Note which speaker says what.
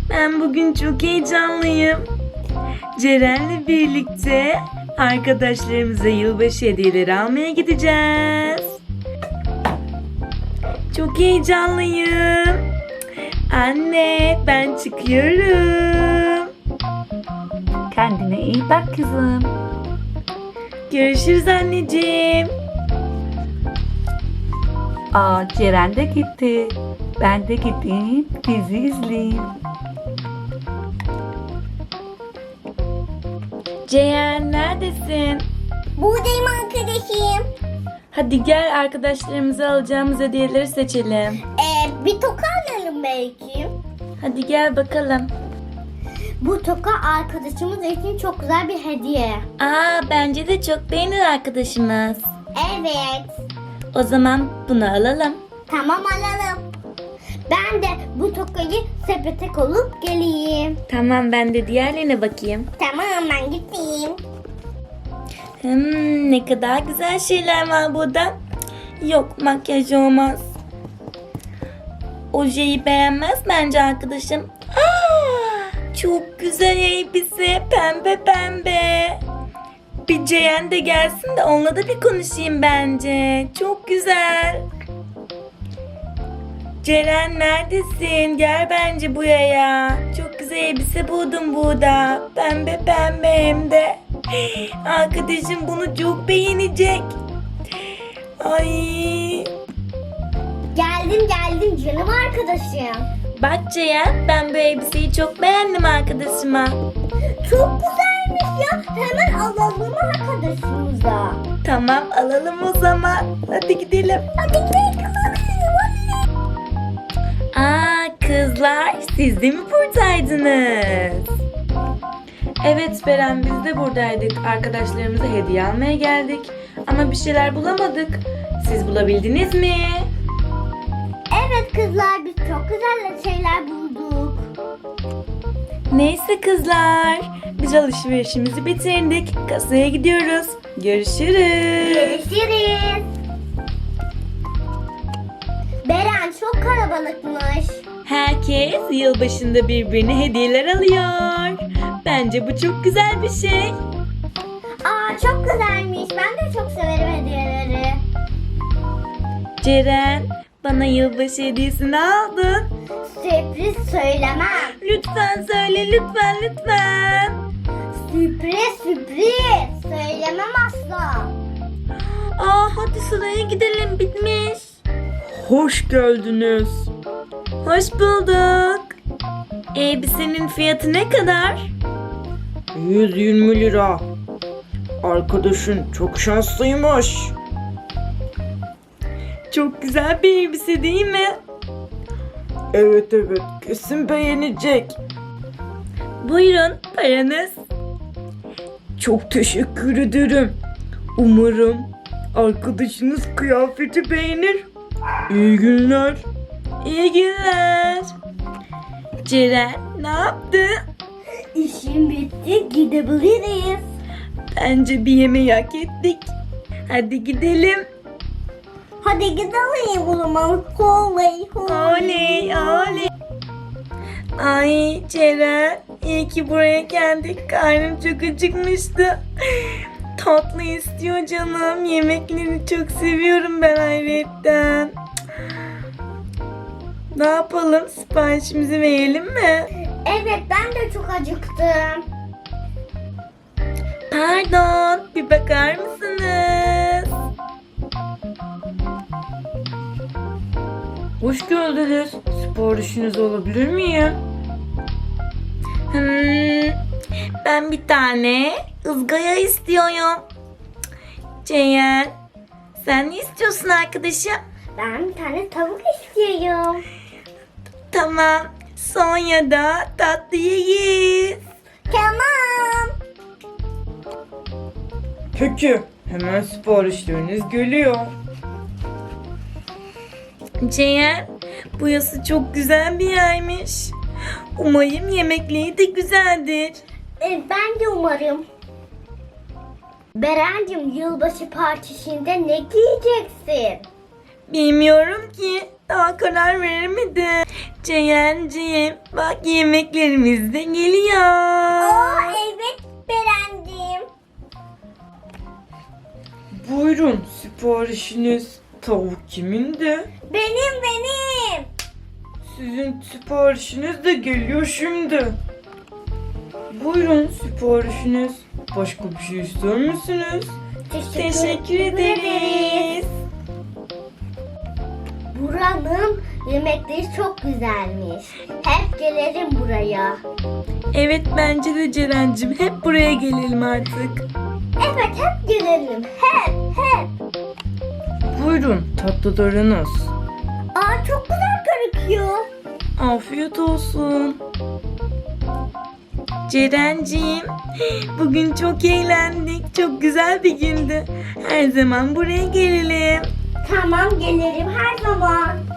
Speaker 1: Ben bugün çok heyecanlıyım. Ceren'le birlikte arkadaşlarımıza yılbaşı hediyeleri almaya gideceğiz. Çok heyecanlıyım. Anne, ben çıkıyorum.
Speaker 2: Kendine iyi bak kızım.
Speaker 1: Görüşürüz anneciğim.
Speaker 2: Ceren de gitti. Ben de gideyim dizi izleyeyim.
Speaker 1: Ceren, neredesin?
Speaker 3: Buradayım arkadaşım.
Speaker 1: Hadi gel, arkadaşlarımıza alacağımız hediyeleri seçelim.
Speaker 3: Bir toka alalım belki.
Speaker 1: Hadi gel bakalım.
Speaker 3: Bu toka arkadaşımız için çok güzel bir hediye.
Speaker 1: Bence de çok beğenir arkadaşımız.
Speaker 3: Evet.
Speaker 1: O zaman bunu alalım.
Speaker 3: Tamam alalım. Ben de bu tokayı sepete koyup geleyim.
Speaker 1: Tamam, ben de diğerlerine bakayım.
Speaker 3: Tamam ben gideyim.
Speaker 1: Ne kadar güzel şeyler var burada. Yok, makyaj olmaz. Ojeyi beğenmez bence arkadaşım. Çok güzel elbise, pembe pembe. Bir Ceren de gelsin de onunla da bir konuşayım bence. Çok güzel. Ceren, neredesin? Gel bence buraya. Çok güzel elbise buldum burada. Pembe pembe hem de. Arkadaşım bunu çok beğenecek. Ay.
Speaker 3: Geldim canım arkadaşım.
Speaker 1: Bak Ceren, ben bu elbiseyi çok beğendim arkadaşıma.
Speaker 3: Çok güzelmiş ya. Hemen alalım arkadaşımıza.
Speaker 1: Tamam, alalım o zaman. Hadi gidelim.
Speaker 3: Hadi gidelim.
Speaker 1: Kızlar, siz de mi buradaydınız? Evet Beren, biz de buradaydık. Arkadaşlarımıza hediye almaya geldik. Ama bir şeyler bulamadık. Siz bulabildiniz mi?
Speaker 3: Evet kızlar biz çok güzel şeyler bulduk.
Speaker 1: Neyse kızlar, biz alışverişimizi bitirdik. Kasaya gidiyoruz. Görüşürüz.
Speaker 3: Görüşürüz. Beren çok kalabalıkmış.
Speaker 1: Herkes yılbaşında birbirine hediyeler alıyor. Bence bu çok güzel bir şey.
Speaker 3: Çok güzelmiş. Ben de çok severim hediyeleri.
Speaker 1: Ceren, bana yılbaşı hediyesini aldın.
Speaker 3: Sürpriz söylemem.
Speaker 1: Lütfen söyle, lütfen.
Speaker 3: Sürpriz. Söylemem asla.
Speaker 1: Hadi sıraya gidelim, bitmiş. Hoş geldiniz. Hoş bulduk. Elbisenin fiyatı ne kadar?
Speaker 4: 120 lira. Arkadaşın çok şanslıymış.
Speaker 1: Çok güzel bir elbise değil mi?
Speaker 4: Evet, kesin beğenecek.
Speaker 1: Buyurun, paranız.
Speaker 4: Çok teşekkür ederim. Umarım arkadaşınız kıyafeti beğenir. İyi günler.
Speaker 1: İyi günler. Ceren, ne yaptı?
Speaker 3: İşim bitti. Gidebiliriz.
Speaker 1: Bence bir yemeği hak ettik. Hadi gidelim.
Speaker 3: Hadi gidelim o zaman. Oley.
Speaker 1: Oley. Ay Ceren, iyi ki buraya geldik. Karnım çok acıkmıştı. Tatlı istiyor canım. Yemekleri çok seviyorum ben ayrıyetten. Ne yapalım? Siparişimizi verelim mi?
Speaker 3: Evet ben de çok acıktım.
Speaker 1: Pardon, bir bakar mısınız?
Speaker 4: Hoş geldiniz. Siparişiniz olabilir miyim?
Speaker 1: Ben bir tane ızgara istiyorum. Ceyhan, sen ne istiyorsun arkadaşım?
Speaker 3: Ben bir tane tavuk istiyorum.
Speaker 1: Tamam, sonra da tatlı yiyiz.
Speaker 3: Tamam.
Speaker 4: Peki. Hemen siparişleriniz geliyor.
Speaker 1: Ceyhan, burası çok güzel bir yermiş. Umarım yemekleri de güzeldir.
Speaker 3: Ben de umarım. Berencim yılbaşı partisinde ne giyeceksin?
Speaker 1: Bilmiyorum ki. Daha karar veremedim. Ceren'ciğim bak yemeklerimiz de geliyor.
Speaker 3: Aa, evet Berencim.
Speaker 4: Buyurun siparişiniz. Tavuk kimindi?
Speaker 3: Benim.
Speaker 4: Sizin siparişiniz de geliyor şimdi. Buyurun siparişiniz. Başka bir şey ister misiniz?
Speaker 1: Teşekkür ederiz.
Speaker 3: Buranın yemekleri çok güzelmiş. Hep gelelim buraya.
Speaker 1: Evet bence de Ceren'cim hep buraya gelelim artık.
Speaker 3: Evet hep gelelim. Hep.
Speaker 4: Buyurun tatlılarınız.
Speaker 3: Aa, çok güzel gözüküyor.
Speaker 1: Afiyet olsun. Ceren'ciğim bugün çok eğlendik. Çok güzel bir gündü. Her zaman buraya gelelim.
Speaker 3: Tamam gelirim her zaman.